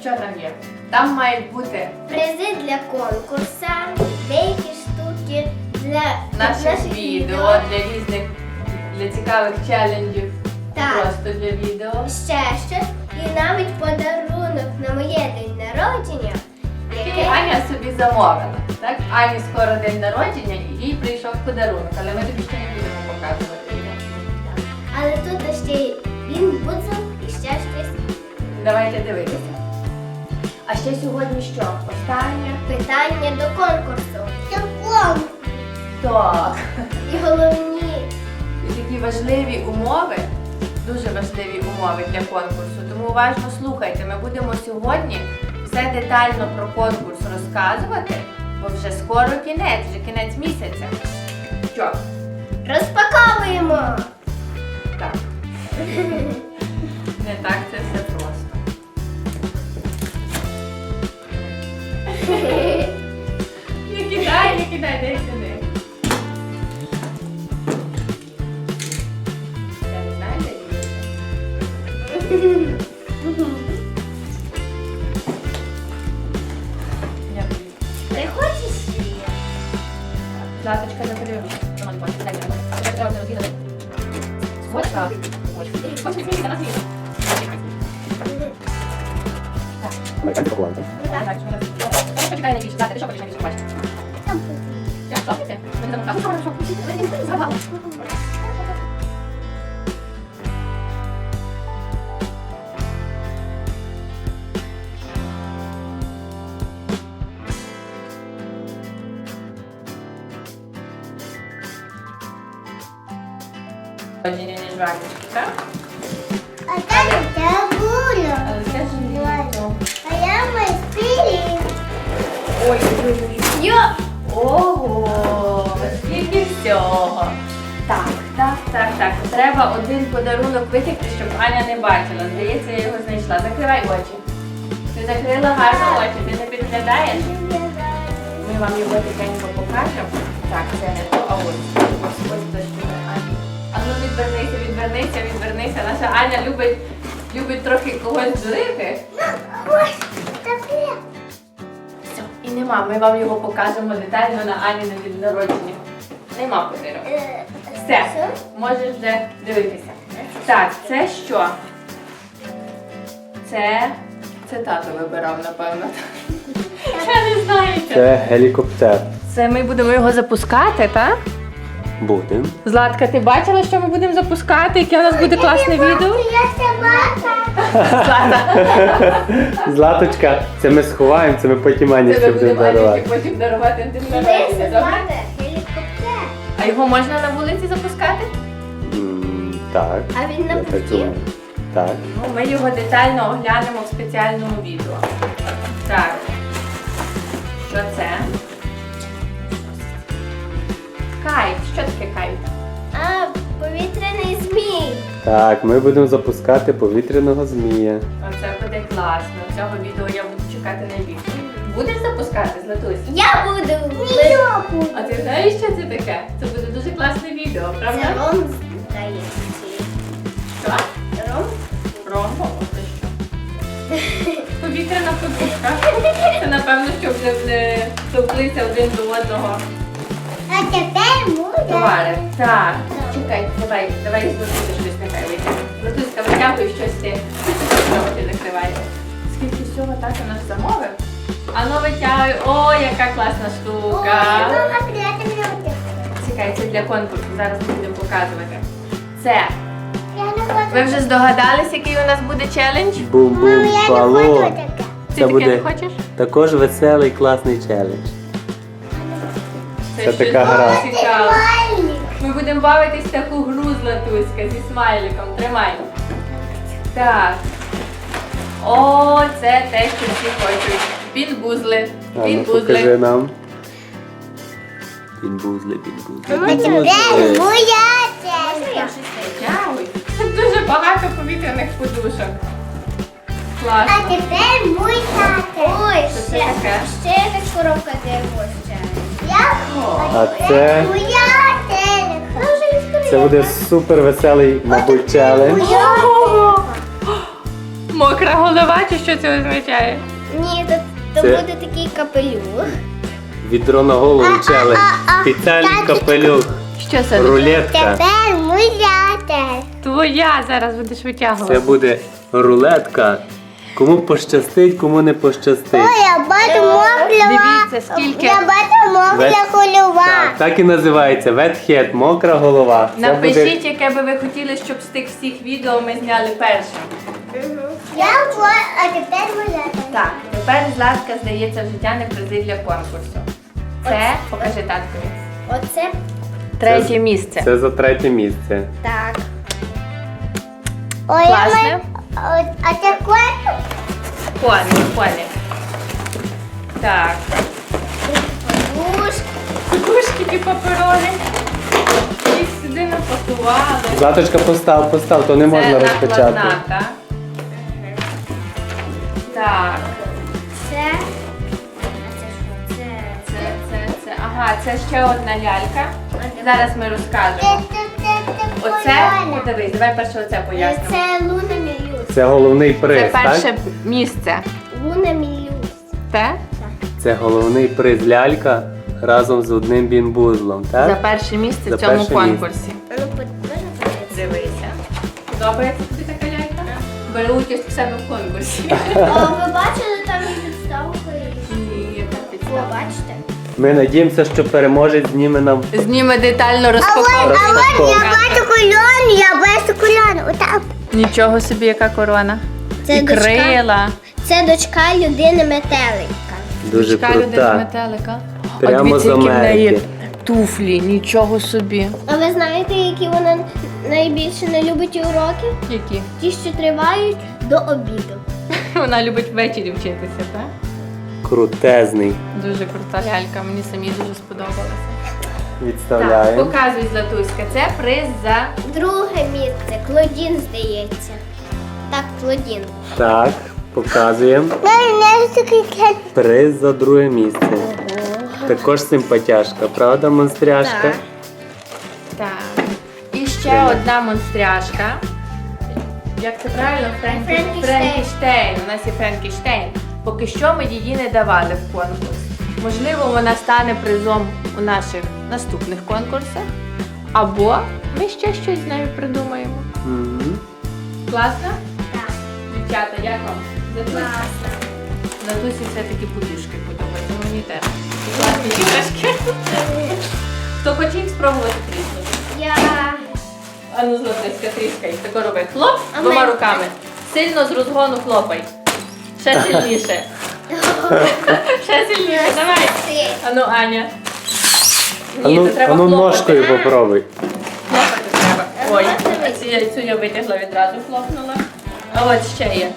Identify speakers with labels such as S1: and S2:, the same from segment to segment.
S1: що там є? Там мають бути
S2: Призи для конкурсу, деякі штуки для
S1: наших відео, для різних, для цікавих челенджів.
S2: Так.
S1: Просто для відео.
S2: Ще щось. І навіть подарунок на моє день народження,
S1: Який Аня собі замовила. Так? Ані скоро день народження і їй прийшов подарунок, але ми тобі ще не будемо показувати.
S2: Але тут ще й він бузов і ще щось.
S1: Давайте дивитися. А ще сьогодні що? Останнє?
S2: Питання до конкурсу.
S1: Так.
S2: І головні.
S1: І такі важливі умови, дуже важливі умови для конкурсу. Тому уважно слухайте. Ми будемо сьогодні все детально про конкурс розказувати, бо вже скоро кінець, вже кінець місяця. Що?
S2: Розпаковуємо!
S1: Так. Не так це все просто. Не кидай, дай сюди. Я не знаю, де її. Я боюсь.
S2: Ти хочеш її?
S1: Златочка, закрий руку. Дай мені. Тебе треба розрізати. Ось так. Ось це на світ.
S3: Давай, поклали.
S1: Так, почекай найбільше. Злата, ти що хочеш найбільше побачити? Я що? Ти? Ми не замовкали. Що? Згадала. Родині не жвачки, так?
S2: А там табуля.
S1: Але це ж літо.
S2: А я майстрі.
S1: Ой,
S2: Йо!
S1: ого, скільки всього. Так. Треба один подарунок витягти, щоб Аня не бачила. Здається, я його знайшла. Закривай очі. Ти закрила гарно очі, ти не підглядаєш? Ми вам його тихенько покажемо. Так, це не то, а ось. Ось за що ми Ані. А ну відвернися. Наша Аня любить трохи когось злити.
S2: Ось таке.
S1: Все, і нема. Ми вам його покажемо детально на Ані на день народження. Нема подарунку. Все, можеш вже дивитися. Так, це що? Це тато вибирав, напевно. Я не знаю.
S3: Це гелікоптер.
S1: Це ми будемо його запускати, так?
S3: Будем.
S1: Златка, ти бачила, що ми будемо запускати? Яке у нас буде класне відео?
S2: Я собака.
S1: Злата.
S3: Златочка, це ми сховаємо, це ми потім Ані
S1: Це
S3: ще
S1: ми
S3: будемо
S1: будемо Ані
S3: дарувати.
S1: потім дарувати на день
S2: Це
S1: народження, добре?
S2: собака. Гелікоптер.
S1: А його можна на вулиці запускати?
S3: Так.
S2: А він на
S3: Я так
S2: путі?
S3: думаю. Так.
S1: Ну, ми його детально оглянемо в спеціальному відео. Так. Що це? Кайт. Що таке кайт?
S2: А, повітряний змій.
S3: Так, ми будемо запускати повітряного змія.
S1: Оце буде класно. Цього відео я буду чекати найбільше. Будеш запускати, Златусь?
S2: Я буду. Я буду.
S1: А ти знаєш, що це таке? Це буде дуже класне відео,
S2: Це
S1: правда?
S2: ром здається.
S1: Що?
S2: Ром?
S1: Ромбо? Це що? Повітряна подушка. Це напевно, щоб не товклися один до одного
S2: А тепер буде.
S1: товари. Так, чекай, давай Златуся щось нехай витягне. Златуська, витягуй щось ти. Що ти закриваєш? Скільки всього тато наш замовив? А ну витягуй. О, яка класна штука. Чекай, це для конкурсу. Зараз ми будемо показувати. Це. Ви вже здогадались, який у нас буде челендж?
S3: Бум-бум балон.
S1: Ти
S3: Це
S1: таке
S3: буде
S1: не хочеш?
S3: також веселий, класний челендж. Це
S1: щось
S3: така гра.
S1: дуже цікаве. Ми будемо бавитись в таку гру Златуська зі смайликом. Тримай. Так. О, це те, що всі хочуть. Пінбузли.
S3: А ну покажи
S1: Пінбузли.
S3: нам. Пінбузли.
S1: Дякую. Це дуже багато повітряних подушок. Класно.
S2: тепер мой тато. Ой,
S1: Що це таке?
S2: ще якась коробка для його ще.
S3: А це,
S2: Моя телека.
S3: це буде супер веселий, мабуть, челендж.
S1: Мокра голова бачиш, що це означає?
S2: Ні, то
S3: Це-
S2: буде такий капелюх.
S3: Відро на голову челендж. Спеціальний капелюх.
S1: Що це?
S3: Рулетка.
S2: муляти.
S1: Твоя зараз будеш
S3: Це
S1: витягувати.
S3: буде рулетка. Кому пощастить, кому не пощастить.
S2: Я бачу
S1: Дивіться, скільки.
S2: бачу
S3: Вет-
S2: голова.
S3: Так і називається. Wet head, мокра голова. Це
S1: Напишіть, яке би ви хотіли, щоб з тих всіх відео ми зняли першим.
S2: А тепер муляти.
S1: Так, тепер Златка здається в життя не призи для конкурсу. Це, покажи таткові.
S2: Оце
S1: Третє місце.
S3: Це за третє місце.
S2: так.
S1: Класне?
S2: А це кот?
S1: Коник. Так. Подушки ті паперові. Їх сюди напакували.
S3: Златочка, постав, то не можна
S1: Це
S3: розпочати.
S1: накладна, так? Так.
S2: Це. А це що? Це.
S1: Ага, це ще одна лялька. Зараз ми розкажемо. Оце, дивись, давай перше оце пояснимо.
S2: Це Луна Мілюс.
S3: Це головний приз,
S1: Це перше
S3: так?
S1: місце.
S2: Луна Мілюс.
S1: Те?
S3: Це головний приз лялька разом з одним бінбузлом,
S1: За
S3: так?
S1: перше місце
S3: За
S1: в цьому
S3: перше
S1: конкурсі.
S2: А ну, можна подивитися?
S1: Дивися. Подобається тобі така лялька? Бери участь у себе в конкурсі.
S2: Ви бачили там і підставку?
S1: Ні, яка
S2: О,
S1: підстава.
S2: бачите?
S3: Ми надіємося, що переможець зніме нам
S1: Зніме детально розпаковку.
S3: розпаковку.
S2: кульон, я бачу кульон. Отак.
S1: Нічого собі, яка корона.
S2: Це
S1: І
S2: дочка.
S1: крила.
S2: Це дочка людини метелика.
S3: Дуже
S1: Дочка людини
S3: крута.
S1: метелика.
S3: Прямо
S1: а дивіться,
S3: з
S1: які в неї
S3: Америки.
S1: туфлі, нічого собі.
S2: А ви знаєте, які вона найбільше не любить уроки?
S1: Які?
S2: Ті, що тривають до обіду.
S1: Вона любить ввечері вчитися, так?
S3: Крутезний.
S1: Дуже крута лялька, мені самі дуже сподобалася. Так,
S3: Відставляємо.
S1: показуй, Златуська, це приз за
S2: Друге місце. Клодін, здається. Так, Клодін.
S3: Так, показуємо. Приз за друге місце. Також симпатяшка, правда, монстряшка?
S2: Так.
S1: Так. І ще
S3: Тримай.
S1: одна монстряшка. Як це правильно?
S2: Франкенштейн.
S1: Франкенштейн. У нас є Франкенштейн. Поки що ми її не давали в конкурс. Можливо, вона стане призом у наших наступних конкурсах. Або ми ще щось з нею придумаємо.
S3: Мгм.
S1: Класно?
S2: Так.
S1: Дівчата, як вам?
S2: Класно.
S1: Натусі все-таки подушки подобаються. Мені теж. Класні іграшки. Хто хоче їх спробувати тріснути?
S2: Я...
S1: А ну, Златуська, тріскай. Тако роби. Хлоп
S2: А
S1: двома
S2: ми-
S1: руками. Сильно з розгону хлопай. Ще сильніше. Ще сильніше. Давай. А ну, Аня. Ні,
S3: Ану,
S1: це треба
S3: ану
S1: хлопати.
S3: ножкою попробуй.
S1: Хлопати треба. Ой, а цю яйцю я витягла відразу, хлопнула. А от ще є.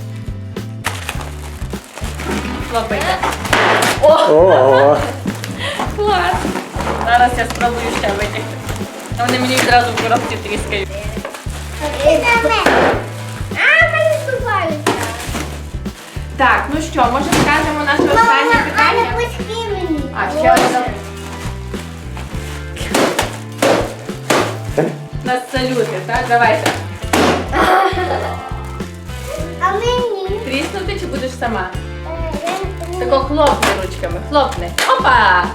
S1: Хлопайте. О,
S3: Ого!
S1: клас! Зараз я спробую ще витягти. А вони мені відразу в коробці тріскають.
S2: Мене збиваються.
S1: Так, ну що, може скажемо наше останнє питання?
S2: пусти мені.
S1: А, ще одне. У нас салюти, так? Давайте.
S2: А мені?
S1: Тріснути чи будеш сама? Тако хлопни ручками, хлопни. Опа!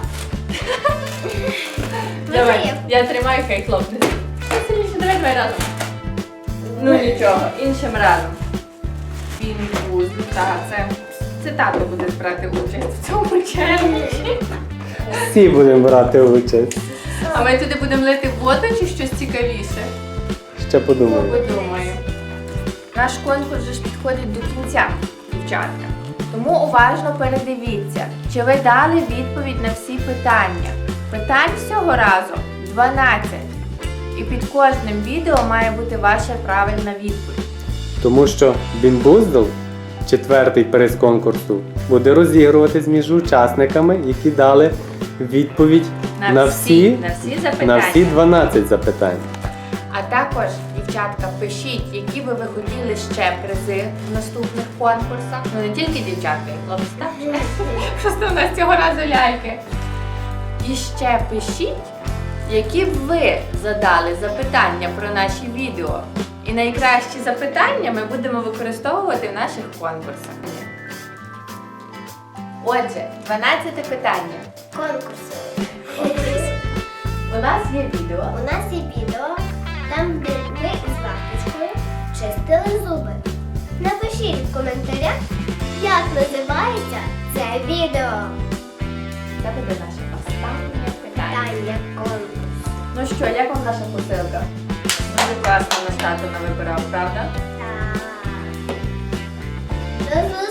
S1: Давай, я тримаю, хай хлопне. Ще сильніше, давай разом. Ну нічого, іншим разом. Пінбуз, так, це тато буде брати участь в цьому челенджі.
S3: Всі будемо брати участь.
S1: А ми туди будемо лити воду чи щось цікавіше?
S3: Ще подумаю.
S1: Подумаю. Наш конкурс вже ж підходить до кінця, дівчатка. Тому уважно передивіться, чи ви дали відповідь на всі питання. Питань всього разу 12. І під кожним відео має бути ваша правильна відповідь.
S3: Тому що бінбуздл, четвертий приз конкурсу, буде розігруватись між учасниками, які дали відповідь на всі
S1: запитання.
S3: 12 запитань.
S1: А також, дівчатка, пишіть, які би ви хотіли ще призи в наступних конкурсах. Ну не тільки дівчатка, і хлопці, так? Просто у нас цього разу ляльки. І ще пишіть, які б ви задали запитання про наші відео. І найкращі запитання ми будемо використовувати в наших конкурсах. Отже, 12 питання.
S2: Конкурси.
S1: У нас є відео.
S2: У нас є відео, там, де ми із Вахточкою чистили зуби. Напишіть в коментарях, як називається це відео.
S1: Це буде наше останнє питання.
S2: Питання конкурс.
S1: Ну що, як вам наша посилка? Дуже класно наш тато навибирав, правда?
S2: Так. До зустрічі!